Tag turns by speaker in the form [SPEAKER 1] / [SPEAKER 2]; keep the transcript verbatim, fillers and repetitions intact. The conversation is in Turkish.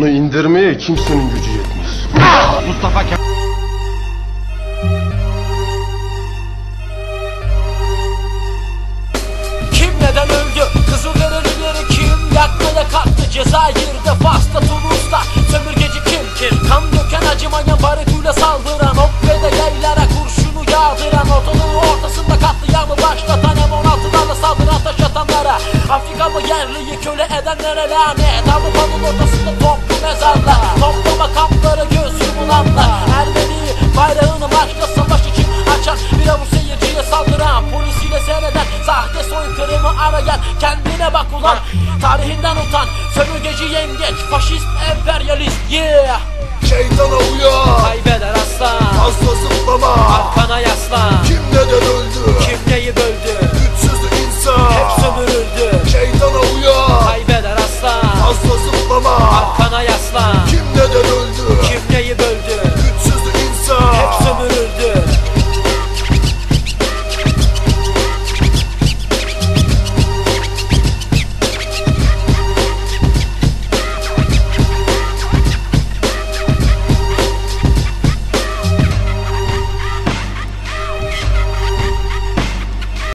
[SPEAKER 1] Onu indirmeye kimsenin gücü yetmez.
[SPEAKER 2] Mustafa Kemal.
[SPEAKER 3] Kim neden öldü? Kızılderilileri kim yakmaya kalktı? Cezayir'de, Fas'ta, Tunus'ta sömürgeci kim? Kim? Kan döken, acımayan, baritüyle saldıran, ok ve de yaylara kurşunu yağdıran, ortalığı ortasında katliamı başlatan, M on altılarla saldıran, taş atanlara, Afrikalı yerliyi köle edenlere lanet. Avrupa'nın ortasında toplu mezarlar, toplama kampları, göz yumulanlar, Ermeni bayrağını marşla savaş için açan, bir avuç seyirciye saldıran, polisiyle seyreden, sahte soykırımı arayan, kendine bak ulan, tarihinden utan, sömürgeci yengeç, faşist, emperyalist, yeah.
[SPEAKER 4] Şeytana uyan,
[SPEAKER 3] Kaybeder aslan,
[SPEAKER 4] fazla zıplama,
[SPEAKER 3] arkana yaslan.
[SPEAKER 4] Kim neden öldü?
[SPEAKER 3] Kim neyi böldü?
[SPEAKER 4] Güçsüz insan,
[SPEAKER 3] Hep sömürüldü.
[SPEAKER 4] Şeytana uyan,
[SPEAKER 3] Kaybeder aslan,
[SPEAKER 4] fazla zıplama,
[SPEAKER 3] arkana yaslan.